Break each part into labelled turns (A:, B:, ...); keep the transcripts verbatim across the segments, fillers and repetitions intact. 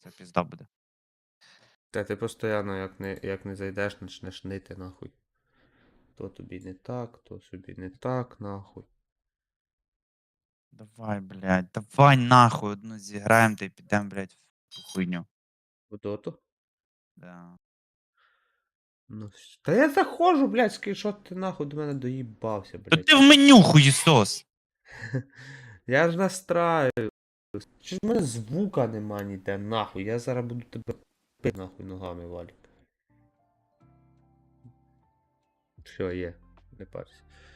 A: це пізда буде.
B: Та ти постійно, як не, як не зайдеш, почнеш нити нахуй. То тобі не так, то собі не так, нахуй.
A: Давай, блядь, давай нахуй одну зіграємо та й підемо, блядь, в ту хуйню.
B: В доту?
A: Да.
B: Ну, вс- та я заходжу, блядь, скріншот ти нахуй до мене доїбався,
A: То
B: блядь.
A: ти в меню хуєсос.
B: Я ж настраю. Чи ж в мене звука нема ніде, нахуй. Я зараз буду тебе пи нахуй ногами, Валік. Все, є, не парся.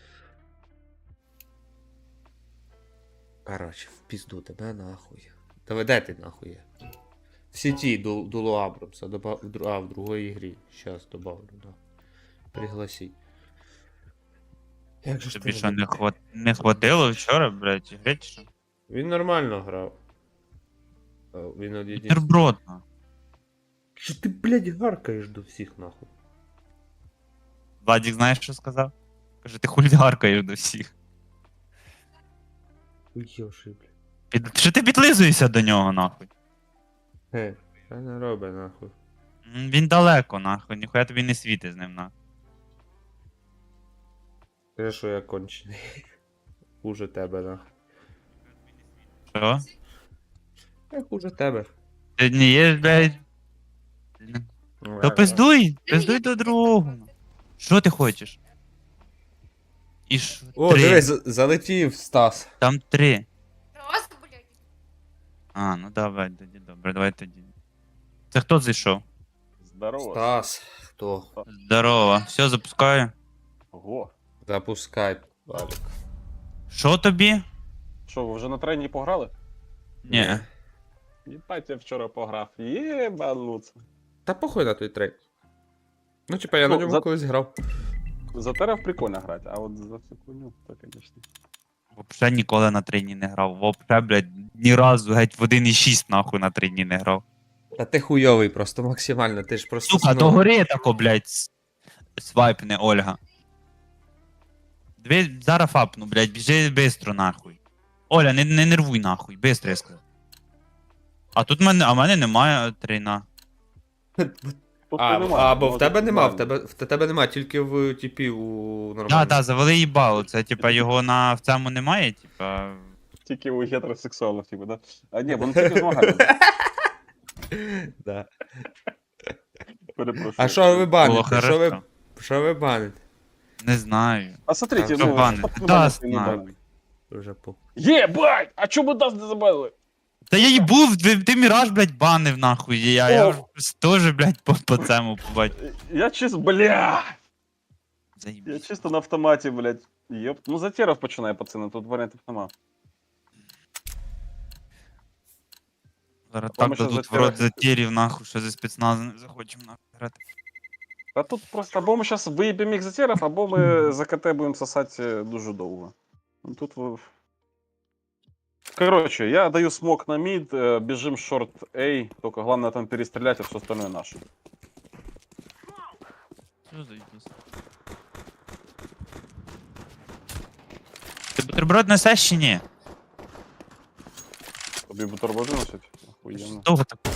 B: Короче, в пізду тебе нахуй. Та де ти нахуй є? В сеті до, до Абрамса, добав, в, дру- а, в другій ігрі. Щас добавлю, да. Пригласіть. Як же ж
A: Тобі
B: ти
A: що, не,
B: любиш?
A: хват... не хватило вчора, блядь, ігри чи що?
B: Він нормально грав. А, Він один.
A: Бутерброд, на.
B: Що ти, блядь, гаркаєш до всіх нахуй?
A: Владик, знаєш, що сказав? Каже, ти хулі гаркаєш до всіх.
B: Уйоши, блядь.
A: Під... Що ти підлизуєшся до нього, нахуй?
B: Ге, що не роби нахуй.
A: М, Він далеко, нахуй, ніхуя тобі не світи з ним, нахуй.
B: Скажи, що я кончений. Хуже тебе, нахуй.
A: Що?
B: Я хуже тебе.
A: Ти не є, блядь?
B: Ну,
A: То пиздуй, пиздуй до другого. Що ти хочеш? І що?
B: О,
A: Три.
B: дивись, за- залетів Стас.
A: Там три.
C: Раз, блядь.
A: А, ну давай, тоді добре, давай тоді. Це хто зайшов?
D: Здорово.
B: Стас. Хто?
A: Здорово. Все, запускаю.
D: Ого.
B: Запускай, Валік.
A: Що тобі?
D: Що, ви вже на трені пограли?
A: Ні.
D: Єбать, я вчора пограв. Єбануться.
B: Та похуй на той трек. Ну, типа, я на
D: Ну,
B: ньому
D: за-
B: колись грав.
D: За терев прикольно грати, а от за цю хуйню, то, звісно.
A: Вообще ніколи на трейні не грав. Вообще, блядь, ні разу геть в один і шість нахуй на трейні не грав.
B: Та ти хуйовий просто максимально, ти ж просто.
A: Сука,
B: ну,
A: то гори тако, блядь, с- свайпне, Ольга. Дві, зараз фапну, блядь, біжи бистро нахуй. Оля, не, не нервуй нахуй, бистро я сказав. А тут мене, а в мене немає трейна.
D: Тут
B: А,
D: немає,
B: або в
D: може,
B: тебе нема, в
D: нормально.
B: тебе, в тебе нема, тільки в типі у нормальному.
A: Да, да, завели їбало. Це типа його на в цьому немає, типа.
D: Тільки у гетеросексуалів, типу, да? А ні, вони тільки змагали.
B: Да.
D: Перепрошую.
B: А що ви
A: Було
B: баните? Що ви,
A: хорошо.
B: що ви баните?
A: Не знаю.
D: А смотрите,
B: А,
D: ну,
A: що бани?
D: що ти
A: Даст
D: не
A: нам.
D: баниш?
B: Вже по.
D: Єбать! А чому даст не забанили?
A: Та я їбув, ти, ти міраж, блядь, банив нахуй. Я, я
D: О!
A: ж теж, блядь, по, по цьому побачив.
D: Я чисто, бля! Я
A: Заїбісь.
D: чисто на автоматі, блядь. Єп. Ну за теров починає, пацани, тут варіантів нема.
A: Зараз
D: А там
A: так
D: ще
A: дадуть в
D: затіра-
A: рот затірів, нахуй, що за спецназ не захочемо нахуй грати.
D: А тут просто або ми зараз виїбемо їх за теров, або ми за КТ будемо сосати дуже довго. Ну тут ви... Короче, я даю смок на мид, э, бежим шорт A, только главное там перестрелять, а все остальное наше.
A: Що заїбісь? Ти бутерброд несеш чи ні?
D: Тобі бутерброди носять? Охуєнно.
A: Довго так.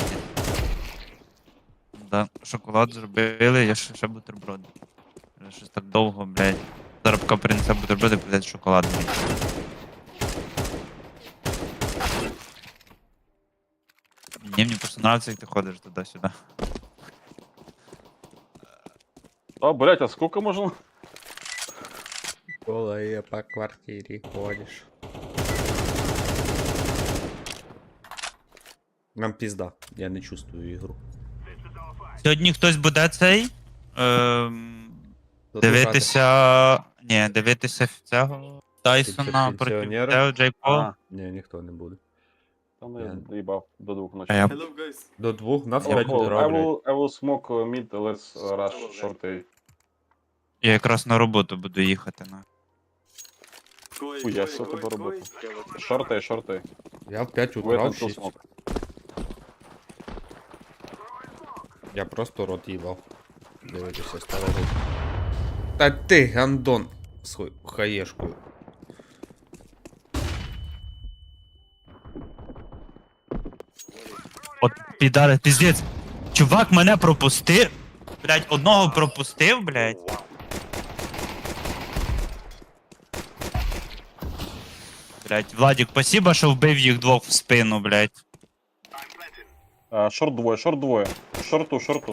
A: Да, шоколад зробили, я ще, ще бутерброд. Вже щось так довго, блядь. Зараз поки принесе бутерброди, блядь, шоколад. блядь. Ні, мені просто нравится, як ти ходиш туди-сюди.
D: А, блять, а сколько можно?
B: Коли по квартирі ходиш. Нам пізда, я не чувствую ігру.
A: Сьогодні хтось буде цей. Ем,
B: Задушати.
A: дивитися. Ні, дивитися цього Тайсона проти
B: Пенсіонера?
A: Тео Джей Пол.
D: А,
B: Ні, ніхто не буде.
D: там
B: Я-
D: я доебал до двух ночи.
A: А я
E: Hello guys.
B: До двох на
D: I
B: п'ять
D: will, I
B: утра, блядь.
D: will, I will smoke uh, mid, let's uh, rush short A.
A: Я якраз на роботу буду їхати. На.
E: Кой,
D: Хуя
E: кой,
D: себе
E: кой,
D: робота.
E: кой.
D: Short A, short A.
B: Я в п'ять
D: Wait
B: утра в
D: until
B: шість.
D: smoke.
B: Я просто рот їбав. Дивитися старого. Та ти, гандон, з ху- хаєшкою.
A: От підари, піздець. Чувак мене пропустив. Блять, одного пропустив, блять. Блять, Владик, спасибо, що вбив їх двох в спину, блять.
D: А, шорт двоє, шорт двоє. Шорту, шорту.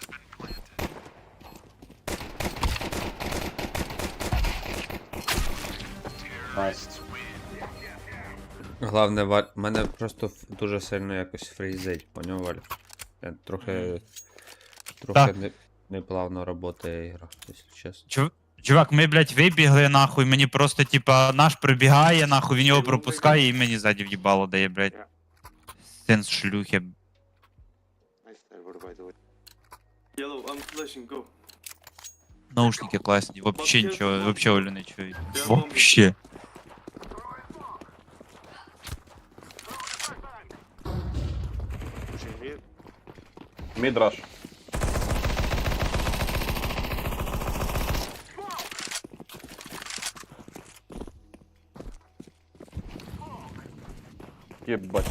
D: Найс.
B: Главне, Валь, мене просто ф- дуже сильно якось фрізить, поняв, Валь? Я трохи. Трохи
A: Так.
B: не, неплавно працює ігра, якщо чесно.
A: Чув... Чувак, ми, блять, вибігли, нахуй, мені просто, типа, наш прибігає, нахуй, він його пропускає і мені ззаді в'їбало дає, блять. Сенс шлюхи.
E: Nice there, by the way. Yellow, I'm flashing, go.
A: Наушники класні, вообще нічого, вообще Олю не чую. Вообще.
E: Pushing mid.
D: Мідраш. Єбать.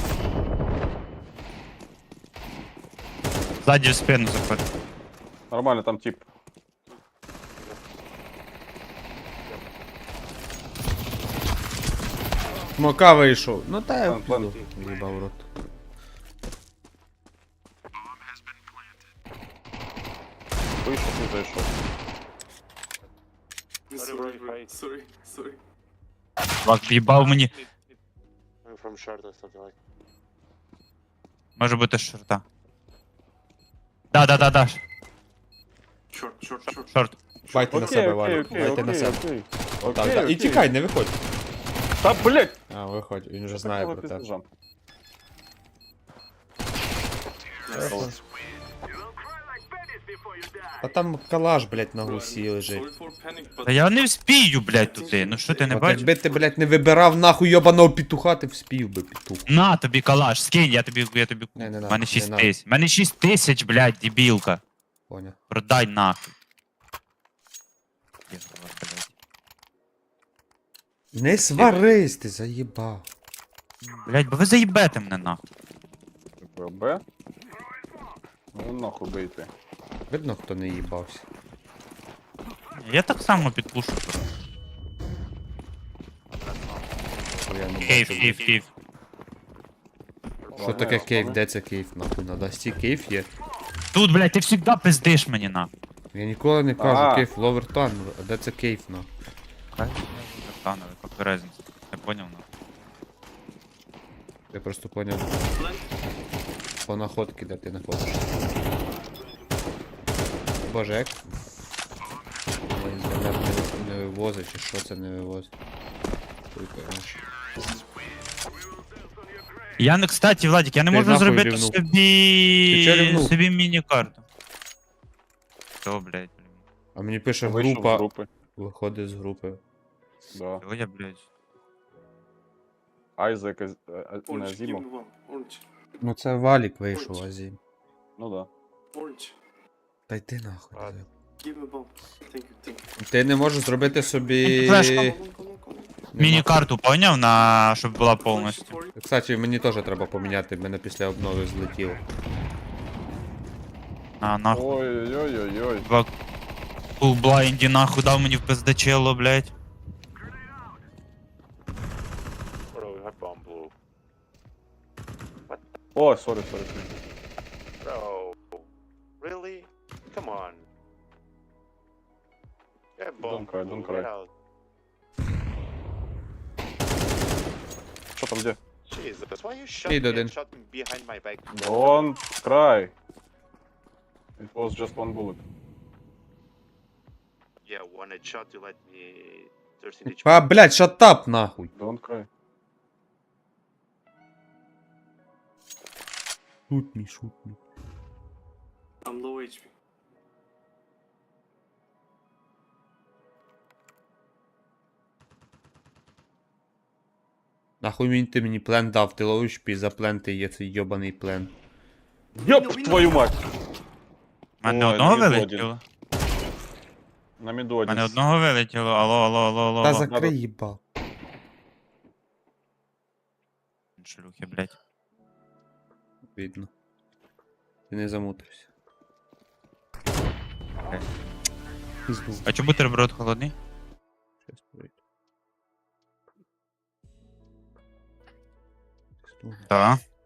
A: Ззаді в спину заходить.
D: Нормально, там тип.
B: Смока вийшов. Ну та я
D: План, план.
B: піду. Їбав рот.
D: Вийшов, не зайшов.
E: Sorry, bro. Sorry, sorry.
A: Чувак, в'їбав мені.
E: I'm from short or something like.
A: Може бути шорта. Да, да, да, да.
E: Short, short, short.
A: Шорт.
B: Байте на себе, Валю.
D: окей,
B: Байте на
D: окей,
B: себе.
D: окей.
B: Так,
D: Окей,
B: так. І
D: окей.
B: тікай, не виходь.
D: Та, блять!
B: А, виходь, він вже знає про те. А там калаш, блять, на гусі лежить.
E: Sorry for panic, but
A: Та я не вспію, блядь, туди. Ну що ти не
B: От
A: бачиш?
B: якби ти, блять, не вибирав нахуй йобаного петуха, ти вспів би петух.
A: На тобі калаш, скинь, я тобі, я тобі.
B: Не, не
A: У
B: надо,
A: мене
B: не
A: шість
B: надо.
A: тисяч. У мене шість тисяч, блядь, дебілка.
B: Поняв.
A: Продай нахуй. Єбала, блядь.
B: Не сварись, ти заїбав.
A: Блядь, бо ви заїбете мене нахуй.
D: Б. Ну нахуй бийте.
B: Видно, хто не їбався.
A: Я так само підпушу.
B: Бо я не
A: Кейф,
B: бачу,
A: кейф,
B: блядь.
A: кейф.
B: Що таке кейф? Де це кейф, нахуй? На дасті кейф є.
A: Тут, блядь, ти завжди пиздиш мені нахуй.
B: Я ніколи не кажу
D: А.
B: кейф, ловертан, а де це кейф, нахуй?
A: Станови, какая разница? Я понял, нахуй.
B: Я просто поняв по находки, де ти знаходиш. Боже, як? Ой, інтернет не, не вивозить, чи що це не вивозить? Хуй поймеш.
A: Я, не- кстати, Владик, я не
B: Ти
A: можу
B: нахуй
A: зробити
B: рівнув. Ти чого
A: собі...
B: рівнув?
A: собі міні-карту. Що, блядь, блін.
B: А мені пише
D: Вийшов з
B: група,
D: групи.
B: виходить з групи.
D: Да.
A: Чого я, блядь?
D: Айзек, Аз- а- а-
E: orange, give
D: Назімов.
E: me one. Orange,
B: Ну це валік вийшов, Азім.
D: Ну да.
E: orange.
B: Та йди нахуй.
E: А.
B: диви.
E: Give me bomb. Thank you, thank you.
B: Ти не можеш зробити собі.
A: Флешку.
E: Come on, come on, come on.
B: Нема.
A: Міні-карту поняв, на... щоб була повністю.
E: Flash for you.
B: Кстати, мені теж треба поміняти, мене після обнови злетіло.
A: А, нахуй.
D: Ой-ой-ой-ой.
A: Два кул блайнді нахуй дав мені в пиздачело, блядь.
E: Bro, you have bomb blue.
D: О, сорі, сорі.
E: Bro, really? Come on. Yeah, bomb.
D: Don't cry, don't
E: blue,
D: cry.
E: get out.
D: Що там де?
E: Jesus, why you shot
B: Hey,
E: me
B: Dodin.
E: and shot me behind my back?
D: Don't cry. It was just one bullet.
E: Yeah, one headshot, you let me thirteen H P.
B: А, блядь, шатап нахуй.
D: Don't cry.
B: Шут мій, шут мій.
E: I'm low H P.
B: Нахуй він ти мені плен дав, ти ловиш пі за плен, ти є цей йобаний плен.
D: Йоп, твою мать!
A: У мене
D: Ой,
A: одного
D: мід один.
A: вилетіло.
D: На міду
A: У
D: один.
A: мене одного вилетіло, алло, алло, алло, алло.
B: Та
A: алло.
B: закрий їбав.
A: Шлюхи, блядь.
B: Видно. Ти не замутрився.
A: Окей.
B: Пізду.
A: А чому бутерброд холодний?
B: Щас пройду. Пізду.
A: Так.